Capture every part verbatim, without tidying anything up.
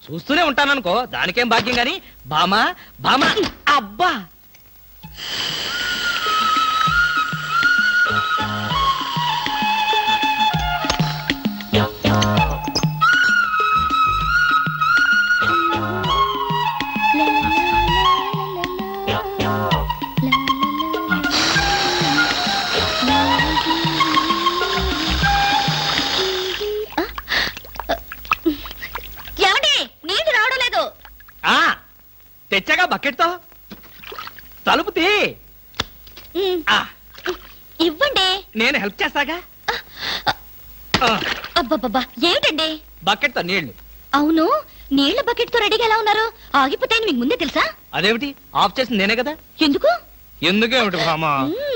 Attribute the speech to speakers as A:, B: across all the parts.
A: చూస్తూనే ఉంటాననుకో, దానికేం భాగ్యం గాని. బామా బామా అబ్బా తెచ్చాగా బకెట్ తో. తలుపు తీ.
B: ఇవ్వండి,
A: నేను హెల్ప్ చేస్తాగా.
B: అబ్బబ్బబ్బా ఏమిటండి?
A: బకెట్ తో నీళ్లు.
B: అవును, నీళ్ల బకెట్ తో రెడీగా ఎలా ఉన్నారు? ఆగిపోతాయని మీకు ముందే తెలుసా?
A: అదేమిటి, ఆఫ్ చేసింది నేనే కదా.
B: ఎందుకు?
A: ఎందుకేమిటి బామా,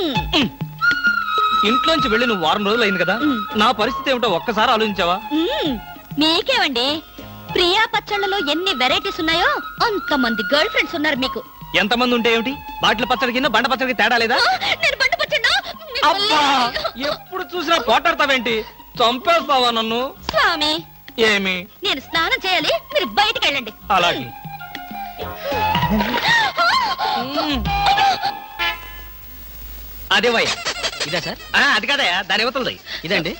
A: ఇంట్లోంచి వెళ్ళి నువ్వు వారం రోజులు అయింది కదా, నా పరిస్థితి ఏమిటో ఒక్కసారి ఆలోచించావా?
B: మీకేమండి, ప్రియా పచ్చళ్ళలో ఎన్ని వెరైటీస్ ఉన్నాయో అంతమంది గర్ల్ ఫ్రెండ్స్ ఉన్నారు మీకు.
A: ఎంతమంది ఉంటే ఏమిటి, బాటిల్ పచ్చడి కింద బండ పచ్చడికి తేడా లేదా?
B: నేను బండ పచ్చడా?
A: అబ్బా, ఎప్పుడు చూసినా పోటాడతావేంటి? చంపేస్తావా నన్ను?
B: స్వామి,
A: ఏమి?
B: నేను స్నానం చేయాలి, మీరు బయటికి వెళ్ళండి.
A: అలాగే. అదే వయ్య, ఇదా సార్? అది కాదయా, దాని యువతలది. ఇదండి.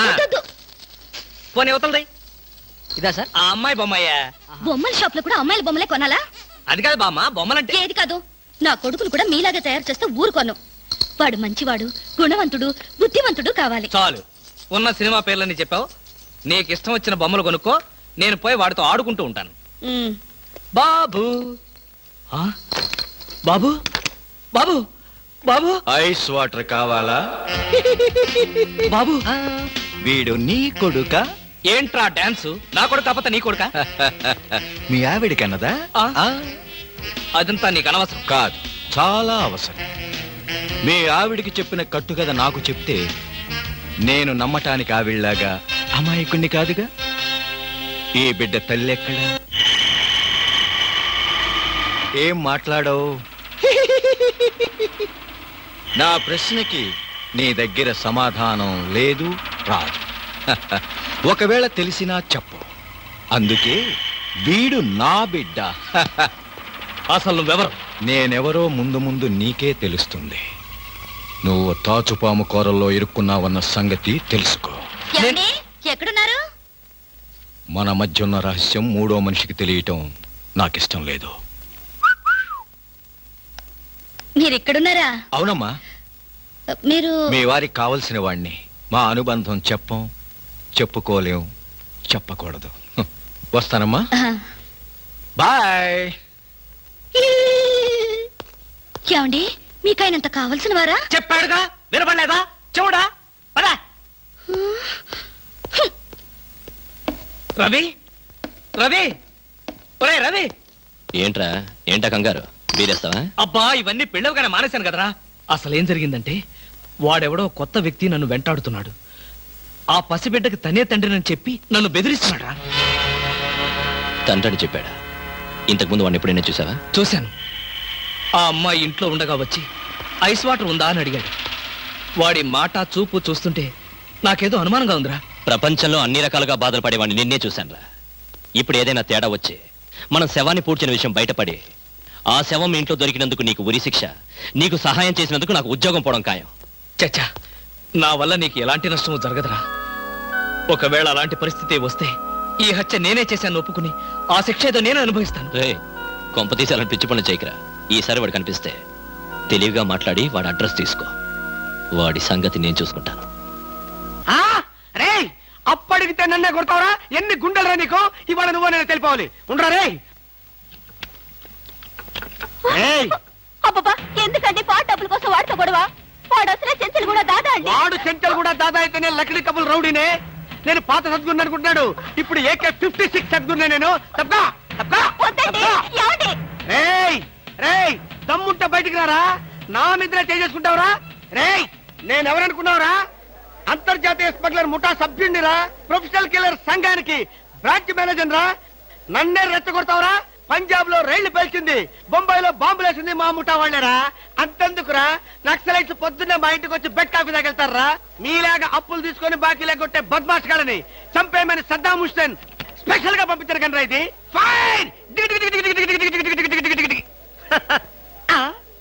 A: పోనీ యువతలది. ఇదా సార్? ఆ అమ్మాయి బొమ్మయ్యా.
B: బొమ్మల షాప్ లో కూడా అమ్మాయిల బొమ్మలే కొనాలా?
A: అది కాదు బామ్మ, బొమ్మలంటే.
B: ఏది కాదు, నా కొడుకును కూడా మీలాగా తయారు చేస్తే ఊరుకోను. వాడు మంచివాడు, గుణవంతుడు, బుద్ధివంతుడు కావాలి.
A: చాలు, ఉన్న సినిమా పేర్లని చెప్పావు. నీకు ఇష్టం వచ్చిన బొమ్మలు కొనుక్కో, నేను పోయి వాడితో ఆడుకుంటూ ఉంటాను. బాబు బాబు బాబు బాబు
C: ఐస్ వాటర్ కావాలా?
A: బాబు,
C: వీడు నీ కొడుక?
A: ఏంట్రా డాన్స్? నా కొడుకు కాకపోతే నీ కొడుక?
C: మీ ఆవిడికన్నదా?
A: అదంతా నీకు అనవసరం.
C: కాదు, చాలా అవసరం. మీ ఆవిడికి చెప్పిన కట్టు కదా నాకు చెప్తే నేను నమ్మటానికి ఆవిడలాగా అమాయకుణ్ణి కాదుగా. ఈ బిడ్డ తల్లి ఎక్కడా? ఏం మాట్లాడవు? నా ప్రశ్నకి నీ దగ్గర సమాధానం లేదు, రాదు. ఒకవేళ తెలిసినా చెప్పు. అందుకే వీడు నా బిడ్డ.
A: అసలు నువ్వెవరు?
C: నేనెవరో ముందు ముందు నీకే తెలుస్తుంది. నువ్వు తాచుపాము కూరల్లో ఇరుక్కున్నావన్న సంగతి తెలుసుకో.
B: ఎక్కడున్నారు?
C: మన మధ్య ఉన్న రహస్యం మూడో మనిషికి తెలియటం నాకిష్టం లేదు.
B: మీరెక్కడున్నారా?
C: అవునమ్మా,
B: మీరు
C: మీ వారికి కావలసిన వాణ్ణి. మా అనుబంధం చెప్పం, చెప్పుకోలేం, చెప్పకూడదు. వస్తానమ్మా, బాయ్.
B: ఏమండి, మీకైనంత కావలసిన వారా?
A: చెప్పాడుగా, వినపడలేదా? చూడా పదా. రవి రవి ఒరే రవి.
D: ఏంట్రా, ఏంటా కంగారు? బీరేస్తావా?
A: అబ్బా, ఇవన్నీ పెళ్ళవగానే మానేశాను కదరా. అసలు ఏం జరిగిందంటే, వాడెవడో కొత్త వ్యక్తి నన్ను వెంటాడుతున్నాడు. ఆ పసిబిడ్డకి తనే తండ్రినని చెప్పి నన్ను బెదిరిస్తున్నాడు రా.
D: తండ్రిని చెప్పాడా? ఇంతకుముందు వాడిని ఎప్పుడైనా చూసావా?
A: చూశాను. ఆ అమ్మాయి ఇంట్లో ఉండగా వచ్చి ఐస్ వాటర్ ఉందా అని అడిగాడు. వాడి మాట చూపు చూస్తుంటే నాకేదో అనుమానంగా ఉందిరా.
D: ప్రపంచంలో అన్ని రకాలుగా బాధలు పడేవాడిని నిన్నే చూశానురా. ఇప్పుడు ఏదైనా తేడా వచ్చి మనం శవాన్ని పూడ్చిన విషయం బయటపడి ఆ శవం మీ ఇంట్లో దొరికినందుకు నీకు ఉరి శిక్ష, నీకు సహాయం చేసినందుకు నాకు ఉద్యోగం పోవడం ఖాయం.
A: చచ్చా, నా వల్ల నీకు ఎలాంటి నష్టము జరగదురా. ఒకవేళ అలాంటి పరిస్థితి వస్తే ఈ హత్య నేనే చేశాను ఒప్పుకుని ఆ శిక్ష ఏదో నేనే అనుభవిస్తాను.
D: రే, కొంపతీసి అలాంటి పిచ్చి పనులు చేయకరా. ఈసారి వాడు కనిపిస్తే తెలివిగా మాట్లాడి వాడి అడ్రస్ తీసుకో. వాడి సంగతి నేను చూసుకుంటాను.
A: అప్పటికితే నన్నే కొడతావరా? ఎన్ని గుండెలరా నీకు? ఇవాళ నువ్వు నేను తెలిపోవాలి. ఉండరా రే.
B: అబ్బబ్బా, ఎందుకండి పాట డబ్బుల కోసం వాడితో గొడవ? వాడు అసలే చెంచలు కూడా దాదా అండి.
A: వాడు చెంచలు కూడా దాదా అయితేనే లక్డీ కబుల్ రౌడీనే. నేను పాత సద్గురు అనుకుంటున్నాడు, ఇప్పుడు ఏకే ఫిఫ్టీ సిక్స్ సద్గురునే నేను. తప్పా తప్పా. రేయ్ రేయ్, దమ్ముంటే బయటికి రారా. నా మీద చేసుకుంటావురా? రేయ్, నేనెవరనుకున్నావురా? అంతర్జాతీయ స్మగ్లర్ ముఠా సభ్యుడిరా, ప్రొఫెషనల్ కిల్లర్ సంఘానికి బ్రాంచ్ మేనేజర్ రా. నన్నే రెచ్చగొడతావురా? పంజాబ్ లో రైళ్లు పేల్చింది, బొంబాయిలో బాంబులు వేసింది మా ముఠా వాళ్ళేరా. అంతెందుకురా, నక్సలైట్స్ పొద్దున్నే మా ఇంటికి వచ్చి బెడ్ కాఫీ తాగెళ్తారా? మీలాగా అప్పులు తీసుకొని బాకీ లేకొట్టే బద్మాష్ గాలని చంపేయమని సద్దాం హుస్సేన్ స్పెషల్ గా పంపించారు కనరా ఇది. ఫైన్. దిగి దిగి దిగి దిగి దిగి దిగి దిగి దిగి దిగి దిగి దిగి దిగి. ఆ?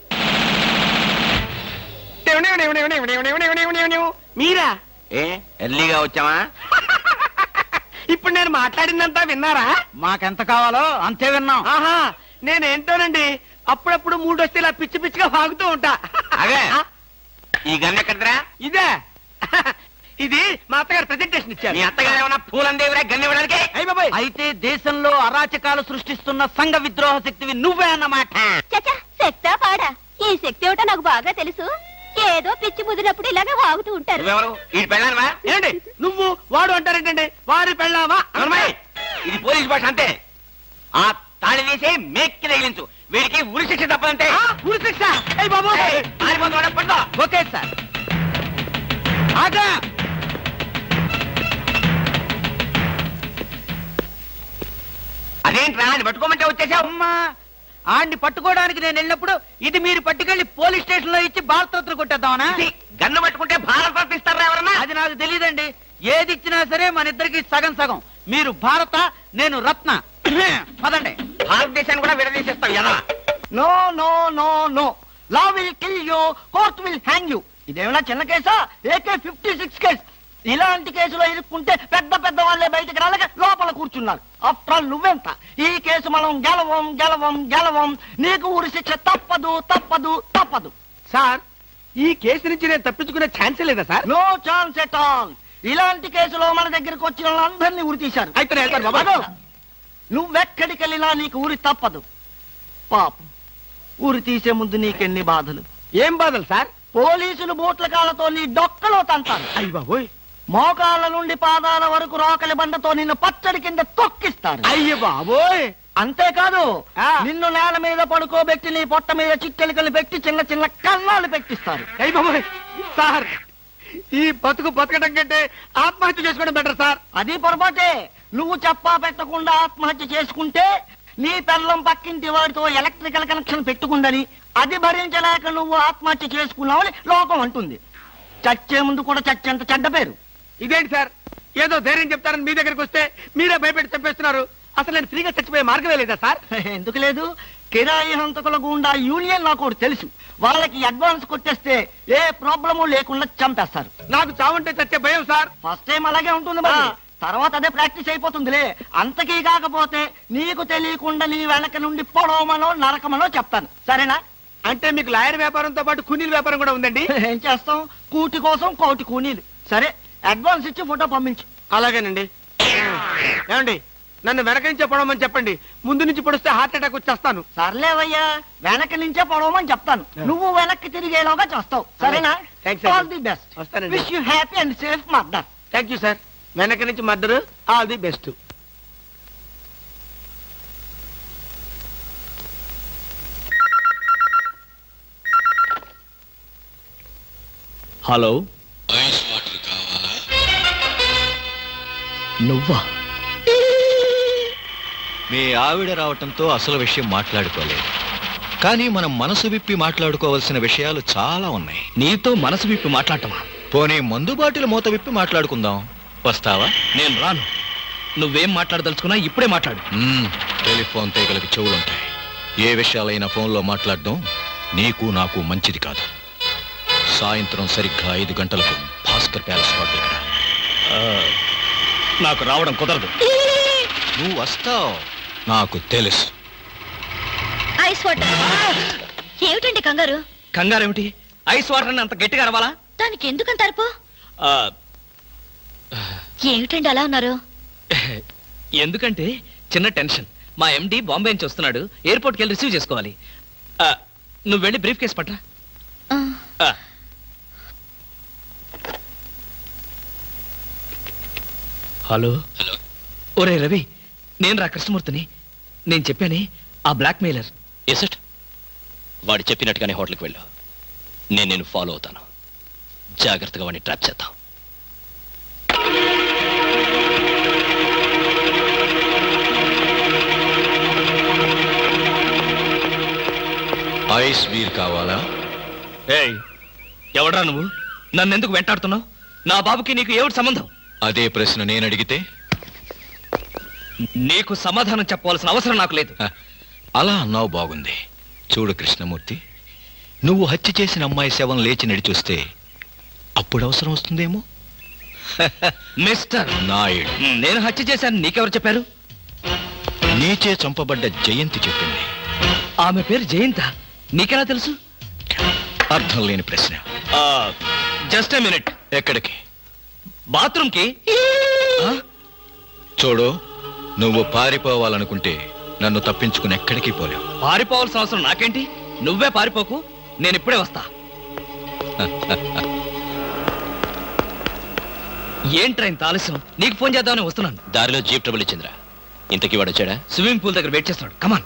A: మీరా?
E: ఏ ఎర్లీగా వచ్చామా?
A: ఇప్పుడు నేను మాట్లాడిందంతా విన్నారా?
E: మాకెంత కావాలో అంతే విన్నాం.
A: ఆహా, నేనేంటోనండి అప్పుడప్పుడు మూడు వస్తే ఇలా పిచ్చి పిచ్చిగా వాగుతూ ఉంటా.
E: అదే.
A: ఆ,
E: ఈ గన్ ఎక్కడరా?
A: ఇదే ఇది మా అత్తగారు ప్రెజెంటేషన్ ఇచ్చారు.
E: మీ అత్తగారు ఏమన్నా పూలందేవిరా గన్ ఇవ్వడానికి?
A: అయ్య బాబాయ్,
E: అయితే దేశంలో అరాచకాలు సృష్టిస్తున్న సంఘ విద్రోహ శక్తివి నువ్వే అన్నమాట.
B: చచ్చా శక్తా పాడా ఈ శక్తి ఏమిటో నాకు బాగా తెలుసు. ఏదో పిచ్చి ముదిరినప్పుడు ఇలాగే వాగుతూ ఉంటారు.
E: నువ్వెవరు? ఈ పెళ్ళానవా?
A: ఏంటి నువ్వు వాడు అంటారేంటండి? వారి పెళ్ళావా?
E: అవునమ్మాయి, ఇది పోలీస్ భాష అంతే. ఆ తాళి తీసి మేక్కి తగిలించు. వీడికి ఉరి శిక్ష తప్పదంటే.
A: ఆ, ఉరి శిక్ష? అయ్య బాబు,
E: ఓకే సార్.
A: ఆగా.
E: అదేంట్రా అది పట్టుకోమంటే వచ్చేసావు?
F: అమ్మా ఆడిని పట్టుకోవడానికి నేను వెళ్ళినప్పుడు ఇది మీరు పట్టుకెళ్లి పోలీస్ స్టేషన్ లో ఇచ్చి బాలతోత్ర కొట్టేద్దామనా?
E: ఇది గన్ను పట్టుకుంటే భారత రత్న ఇస్తారా ఎవరన్నా?
F: అది నాకు తెలియదండి. ఏది ఇచ్చినా సరే మన ఇద్దరికి సగం సగం. మీరు భారత, నేను రత్న. పదండి.
E: భారతదేశాన్ని కూడా విడదీసేస్తావు ఎలా?
A: No no no no, law will kill you, court will hang you. ఇదేమైనా చిన్న కేసా? AK fifty six case. ఇలాంటి కేసులో ఇరుక్కుంటే పెద్ద పెద్ద వాళ్ళే బయటకు రాలేక లోపల కూర్చున్నారు. ఆఫ్టర్ ఆల్ నువ్వెంత? ఈ కేసు మనం గెలవం గెలవం గెలవం. నీకు ఉరి శిక్ష తప్పదు తప్పదు తప్పదు. సార్, ఈ కేసు నుంచి నేను తప్పించుకునే ఛాన్సే లేదా sir? No chance at all. ఇలాంటి కేసులో మన దగ్గరికి వచ్చిన వాళ్ళందరినీ ఉరి తీశారు. అయితే నేను వెళ్తాను బాబా. నువ్వెక్కడికి వెళ్ళినా నీకు ఉరి తప్పదు. పాపం, ఉరి తీసే ముందు నీకెన్ని బాధలు. ఏం బాధలు సార్? పోలీసులు బూట్ల కాళ్ళతో నీ డొక్కలో తంటారు. అయ్య బాబోయ్. మోకాళ్ళ నుండి పాదాల వరకు రోకలి బండతో నిన్ను పచ్చడి కింద తొక్కిస్తారు. అయ్య బాబోయ్. అంతేకాదు, నిన్ను నేల మీద పడుకోబెట్టి నీ పొట్ట మీద చిట్టెలికలు పెట్టి చిన్న చిన్న కన్నాలు పెట్టిస్తారు. అయ్య బాబోయ్. సార్, ఈ బతుకు బతకడం కంటే ఆత్మహత్య చేసుకోవడం బెటర్ సార్. అది పొరపాటే. నువ్వు చెప్పా పెట్టకుండా ఆత్మహత్య చేసుకుంటే నీ పిల్లం పక్కింటి వాడితో ఎలక్ట్రికల్ కనెక్షన్ పెట్టుకుందని, అది భరించలేక నువ్వు ఆత్మహత్య చేసుకున్నావని లోకం అంటుంది. చచ్చే ముందు కూడా చచ్చేంత చెడ్డ పేరు. ఇదేంటి సార్, ఏదో ధైర్యం చెప్తారని మీ దగ్గరికి వస్తే మీరే భయపెట్టి చంపేస్తున్నారు. అసలు నేను ఫ్రీగా చచ్చిపోయే మార్గమే లేదా సార్? ఎందుకు లేదు? కిరాయి హంతకుల గుండా యూనియన్ నాకు ఒకటి తెలుసు. వాళ్ళకి అడ్వాన్స్ కొట్టేస్తే ఏ ప్రాబ్లము లేకుండా చంపేస్తారు. నాకు చావుంటే చచ్చే భయం సార్. ఫస్ట్ టైం అలాగే ఉంటుంది మరి, తర్వాత అదే ప్రాక్టీస్ అయిపోతుందిలే. అంతకీ కాకపోతే నీకు తెలియకుండా నీ వెనక నుండి పొడవమనో నరకమనో చెప్తాను. సరేనా? అంటే మీకు లాయర్ వ్యాపారంతో పాటు కూనీల వ్యాపారం కూడా ఉందండి? ఏం చేస్తాం, కూటి కోసం కోటి కూనీలు. సరే, అడ్వాన్స్ ఇచ్చి ఫోటో పంపించు. అలాగేనండి. ఏమండి, నన్ను వెనక నుంచే పొడవమని చెప్పండి. ముందు నుంచి పొడిస్తే హార్ట్ అటాక్ వచ్చేస్తాను. సర్లేవయ్యా, వెనక నుంచే పొడవమని చెప్తాను. నువ్వు వెనక్కి తిరిగేలాగా చేస్తావు. సరేనా? All the best. వస్తానండి. Wish you happy and safe murder. Thank you sir. వెనక నుంచి murder. All the best.
D: Hello,
G: ice water కావాలా?
D: నువ్వా?
C: మీ ఆవిడ రావటంతో అసలు విషయం మాట్లాడుకోలేదు, కానీ మనం మనసు విప్పి మాట్లాడుకోవాల్సిన విషయాలు చాలా ఉన్నాయి.
D: నీతో మనసు విప్పి మాట్లాడటమా?
C: పోనీ మందు బాటిల్ మూత విప్పి మాట్లాడుకుందాం. వస్తావా?
D: నేను రాను. నువ్వేం మాట్లాడదలుచుకున్నా ఇప్పుడే మాట్లాడు.
C: మ్మ్, టెలిఫోన్ తీగలకి చెవులుంటాయి. ఏ విషయాలైనా ఫోన్లో మాట్లాడడం నీకు నాకు మంచిది కాదు. సాయంత్రం సరిగ్గా ఐదు గంటలకు భాస్కర్ ప్యాలెస్ హోటల్ రా.
D: నాకు రావడం కుదరదు.
C: నువ్వు వస్తావు, నాకు తెలుసు.
B: Ice water. ఏమిటండి కంగారు?
D: కంగారేమిటి? ఐస్ వాటర్ అంత గట్టిగా అరవాలా?
B: దానికి ఎందుకంత అరుపు?
D: ఆ,
B: ఏమిటండి అలా ఉన్నారు?
D: ఎందుకంటే చిన్న టెన్షన్. మా ఎండి బాంబే నుంచి వస్తున్నాడు. ఎయిర్పోర్ట్కి వెళ్ళి రిసీవ్ చేసుకోవాలి. ఆ, నువ్వు వెళ్ళి బ్రీఫ్ కేసు పట్టరా.
B: ఆ,
D: ఆ. Hello
G: hello.
D: ఒరే రవి, నేను రా కృష్ణమూర్తిని. నేను చెప్పానే ఆ బ్లాక్ మెయిలర్.
H: ఎసట్ వాడు చెప్పినట్టుగానే హోటల్కి వెళ్ళు. నేను నేను ఫాలో అవుతాను. జాగ్రత్తగా వాడిని ట్రాప్ చేద్దాం.
C: ఐస్ బీర్ కావాలా?
D: ఏయ్, ఎవడ్రా నువ్వు? నన్ను ఎందుకు వెంటాడుతున్నావు? నా బాబుకి నీకు ఏమిటి సంబంధం?
C: అదే ప్రశ్న నేను అడిగితే?
D: నీకు సమాధానం చెప్పవలసిన అవసరం నాకు లేదు.
C: హ, అలా అన్నావు బాగుంది. చూడు కృష్ణమూర్తి, నువ్వు హత్య చేసిన అమ్మాయి శవం లేచి నడిచొస్తే అప్పుడు అవసరం వస్తుందేమో.
D: మిస్టర్
C: నాయుడు,
D: నేను హత్య చేశాను నీకెవరు చెప్పారు?
C: నీచే చంపబడ్డ జయంతి చెప్పింది.
D: ఆమె పేరు జయంత, నీకెలా తెలుసు?
C: అర్థం లేని ప్రశ్న.
D: Just a minute.
C: ఎక్కడికి?
D: బాత్రూమ్ కి.
C: చూడు, నువ్వు పారిపోవాలనుకుంటే నన్ను తప్పించుకుని ఎక్కడికి పోలేవు.
D: పారిపోవాల్సిన అవసరం నాకేంటి? నువ్వే పారిపోకు, నేను ఇప్పుడే వస్తా. ఏంట్రా ఇంత ఆలస్యం? నీకు ఫోన్ చేద్దామని వస్తున్నాను.
H: దారిలో జీప్ ట్రబుల్ ఇచ్చిందిరా. ఇంతకీ వాడు వచ్చాడా?
D: స్విమ్మింగ్ పూల్ దగ్గర వెయిట్ చేస్తున్నాడు. కమాన్.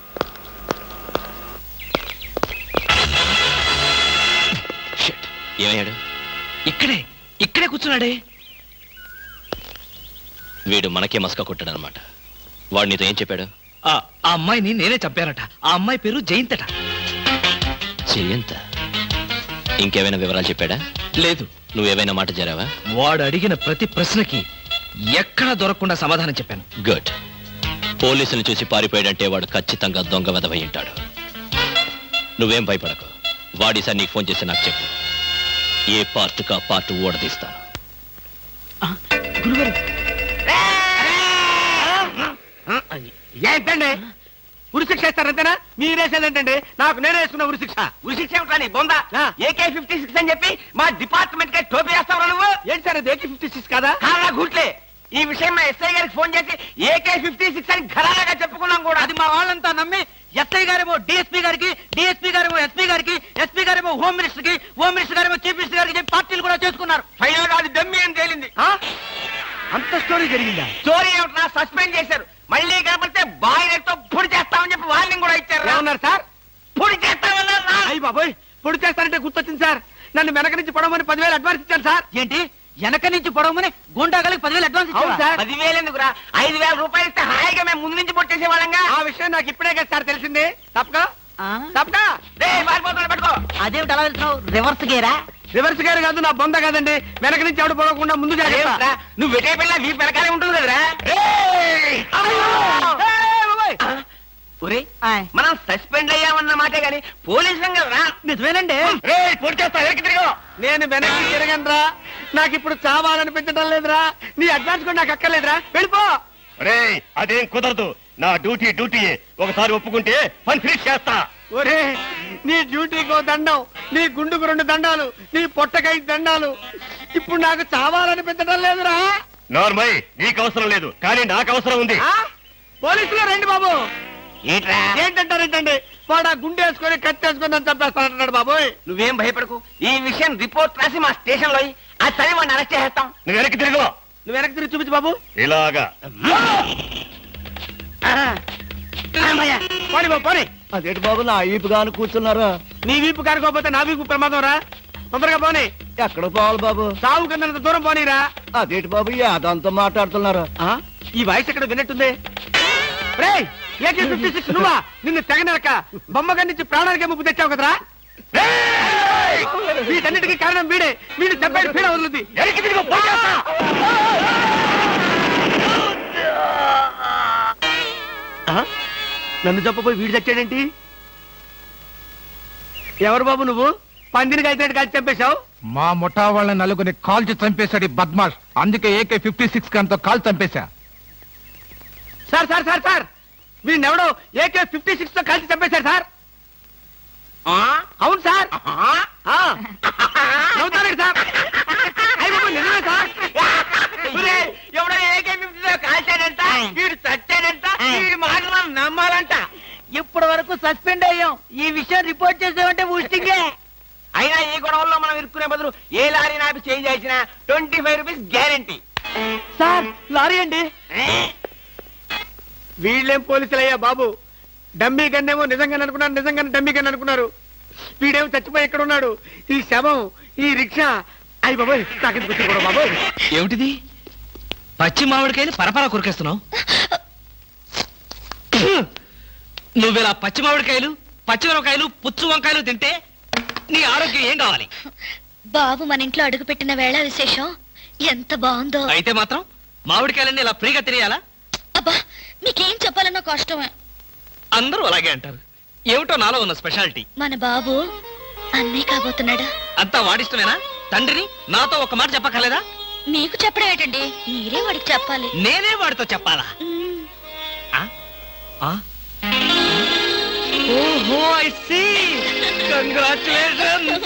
H: షిట్. ఏమయ్యాడు?
D: ఇక్కడే ఇక్కడే కూర్చున్నాడే.
H: వీడు మనకే మస్కా కొట్టాడనమాట. వాడు నీతో ఏం చెప్పాడు?
D: ఆ ఆ అమ్మాయిని నేనే చంపానట. ఆ అమ్మాయి పేరు జయంతట.
H: జయంత. ఇంకేమైనా వివరాలు చెప్పాడా?
D: లేదు.
H: నువ్వేమైనా మాట జరావా?
D: వాడు అడిగిన ప్రతి ప్రశ్నకి ఎక్కడా దొరకకుండా సమాధానం చెప్పాను.
H: గుడ్. పోలీసులు చూసి పారిపోయాడంటే వాడు ఖచ్చితంగా దొంగ వెధవై ఉంటాడు. నువ్వేం భయపడకు. వాడిసారి నీకు ఫోన్ చేసి నాకు చెప్పు. ఏ పార్ట్ కా పార్ట్ ఓడదీస్తాను.
F: గురుగారు,
A: ఏంటండి ఉరిశిక్ష ఇస్తారంతేనా? మీరేసేదేంటండి? నాకు నేనే వేసుకున్న ఉరిశిక్ష.
E: ఉరిశిక్ష ఏమిటని బొందా?
A: ఆ.
E: ఏకే ఫిఫ్టీ సిక్స్ అని చెప్పి మా డిపార్ట్మెంట్ కే టోపీ వేస్తావు నువ్వు.
A: ఏంటి సార్ అది? ఏకే ఫిఫ్టీ సిక్స్ కాదా?
E: కాలా గుట్లే. ఈ విషయం మా ఎస్ఐ గారికి ఫోన్ చేసి ఏకే ఫిఫ్టీ సిక్స్ అని ఘరాగా చెప్పుకున్నాం కూడా.
F: అది మా వాళ్ళంతా నమ్మి ఎస్ఐ గారేమో డిఎస్పీ గారికి, డిఎస్పీ గారేమో ఎస్పీ గారికి, ఎస్పీ గారేమో హోమ్ మినిస్టర్ కి, హోమ్ మినిస్టర్ గారేమో చీఫ్ మినిస్టర్ గారికి చెప్పి పార్టీలు కూడా చేసుకున్నారు.
E: ఫైనల్ గా అది దమ్మి అని తేలింది.
A: ఆ? అంత స్టోరీ జరిగిందా?
E: స్టోరీ ఏమిటా? సస్పెండ్ చేశారు. మళ్ళీ కనపడితే బాయిలర్తో పొడి చేస్తామని చెప్పి వార్నింగ్ కూడా ఇచ్చారు.
A: ఏమన్నారు సార్?
E: పొడి చేస్తామన్నారు.
A: అయ్యి బాబోయ్, పొడి చేస్తారంటే గుర్తొచ్చింది సార్. నన్ను వెనక నుంచి పొడవమని పదివేలు అడ్వాన్స్ ఇచ్చాను సార్.
F: ఏంటి, వెనక నుంచి పొడవమని గుండాగలకి పదివేలు అడ్వాన్స్
A: అవును
F: ఇచ్చావా?
A: సార్.
E: పదివేలు ఎందుకురా? ఐదు వేల రూపాయలు ఇస్తే హాయిగా మేము ముందు నుంచి పొట్టేసే వాళ్ళంగా.
A: ఆ విషయం నాకు ఇప్పుడే కదా సార్ తెలిసింది. తప్పక
F: ఆ?
A: తప్పక
E: రే పారిపోతున్నా పట్టుకో.
F: అదేమిటి అలా వెళ్తున్నావు? రివర్స్ గేరా?
A: రివర్స్ గారు కాదు, నా బొంద కాదండి. వెనక నుంచి ఎవడు పొడవకుండా ముందు జాగ్రత్త.
E: అదేమిట్రా? నువ్వు వెటే పిల్ల వీపు వెనకాలే ఉంటుంది కదరా. ఒరే,
F: ఆయ్.
E: మనం సస్పెండ్ అయ్యామన్న మాటే గాని పోలీసులం కదరా.
F: నిజమేనండి.
E: పొడి చేస్తా వెనక్కి తిరిగి.
A: నేను వెనక్కి తిరగనరా. నాకు ఇప్పుడు చావాలనిపించడం లేదురా. నీ అడ్వాన్స్ కూడా నాకు అక్కర్లేదురా. వెళ్ళిపో.
I: అదేం కుదరదు. నా డ్యూటీ డ్యూటీ ఒకసారి ఒప్పుకుంటే పని ఫినిష్ చేస్తా.
A: ఒరే, నీ డ్యూటీకో దండం, నీ గుండుకు రెండు దండాలు, నీ పొట్టకై దండాలు. ఇప్పుడు నాకు చావాలనిపించడం లేదురా.
I: నార్మల్ నీకు అవసరం లేదు, కానీ నాకు అవసరం ఉంది.
A: ఆ? పోలీసులు రండి బాబు.
E: ఏంట్రా?
A: ఏంటంటారేంటండి? వాడు ఆ గుండె వేసుకొని కత్తి వేసుకొని నన్ను చంపేస్తానంటున్నాడు బాబోయ్.
E: నువ్వేం భయపడకు. ఈ విషయం రిపోర్ట్ రాసి మా స్టేషన్ లో ఆ చదివి వాడిని అరెస్ట్ చేస్తాం.
I: నువ్వు వెనక్కి తిరుగు.
A: నువ్వు వెనక్కి తిరిగి చూపించు బాబు.
I: ఇలాగా
A: పోనీ బాబు పోనీ.
F: అదేంటి బాబు నా ఈపు గాను కూర్చున్నారా?
A: నీ వీపు కారుకోపోతే నా వీపు ప్రమాదం రా. తొందరగా పోనీ.
F: ఎక్కడ పోవాలి బాబు?
A: సాగు కింద దూరం పోనీరా.
F: అదేంటి బాబు అదంతా మాట్లాడుతున్నారా?
A: ఆ? ఈ వాయిస్ ఎక్కడ విన్నట్టుంది. రేయ్, ఏకే ఫిఫ్టీ సిక్స్ నువ్వా? నిన్ను తెగనరక బొమ్మగా నుంచి ప్రాణానికే ముప్పు తెచ్చావు కదరా. వీటన్నిటికీ కారణం వీడే. వీడు చెప్పాడు పీడ వదులుద్ది.
I: వెనక్కి తిరుగు, పోయి చేస్తా.
A: ఆ? నన్ను చెప్పబోయి వీడు చచ్చాడేంటి? ఎవరు బాబు నువ్వు? పందిని కలిసినట్టు కలిసి చంపేశావు.
J: మా ముఠా వాళ్ళ నలుగురిని కాల్చి చంపేశాడు ఈ బద్మాష్. అందుకే ఏకే ఫిఫ్టీ సిక్స్ గంతో కాల్ చంపేశా.
A: సార్ సార్ సార్ సార్ వీడిని ఎవడో ఏకే ఫిఫ్టీ సిక్స్ తో కలిసి చంపేశారు సార్.
E: ఆ?
A: అవును సార్.
E: ఆ?
A: ఆ. నవ్వుతారేంటి సార్? అయ్య బాబోయ్, నిజమే సార్.
E: ఒరే, ఎవడో ఏకే ఫిఫ్టీ కాల్చాడంట, వీడు చచ్చాడంట, వీడి మాటలు మనం నమ్మాలంట.
F: ఇప్పటి వరకు సస్పెండ్ అయ్యాం. ఈ విషయం రిపోర్ట్ చేసామంటే ఊస్టింగే.
E: అయినా ఈ గొడవల్లో మనం ఇరుక్కునే బదులు ఏ లారీ నాపి చేంజ్ చేసినా twenty five rupees guarantee.
A: Sir lorry అండి. వీళ్ళేం పోలీసులయ్యా బాబు. డమ్మీ గన్నేమో నిజంగానే అనుకున్నారు, నిజంగానే డమ్మీ గన్ అనుకున్నారు. వీడేమో చచ్చిపోయి ఎక్కడ ఉన్నాడు? ఈ శవం, ఈ రిక్షా. అయ్యి బాబోయ్, నాకెందుకు వచ్చింది కూడా బాబోయ్.
D: ఏమిటిది? పచ్చి మామిడికాయలు పరపరా కొరికేస్తున్నావు. నువ్విలా పచ్చి మామిడికాయలు, పచ్చి మిరపకాయలు, పుచ్చు వంకాయలు తింటే నీ ఆరోగ్యం ఏం కావాలి?
B: బాబు మన ఇంట్లో అడుగుపెట్టిన వేళ విశేషం ఎంత బాగుందో.
D: అయితే మాత్రం మామిడికాయలన్నీ ఇలా ఫ్రీగా తినేయాలా?
B: అబ్బా, మీకేం చెప్పాలన్నా కష్టమే.
F: అందరూ అలాగే అంటారు. ఏమిటో నాలో ఉన్న స్పెషాలిటీ.
B: మన బాబు అన్నయ్య కాబోతున్నాడా?
F: అంతా వాడిష్టమేనా? తండ్రిని నాతో ఒక మాట చెప్పక్కర్లేదా?
B: మీకు చెప్పడం ఏంటండి, మీరే వాడికి చెప్పాలి.
F: నేనే వాడితో చెప్పాలా?
B: మ్మ్.
F: ఆ? ఆ? ఓహో, ఐ సీ. కంగ్రాచులేషన్.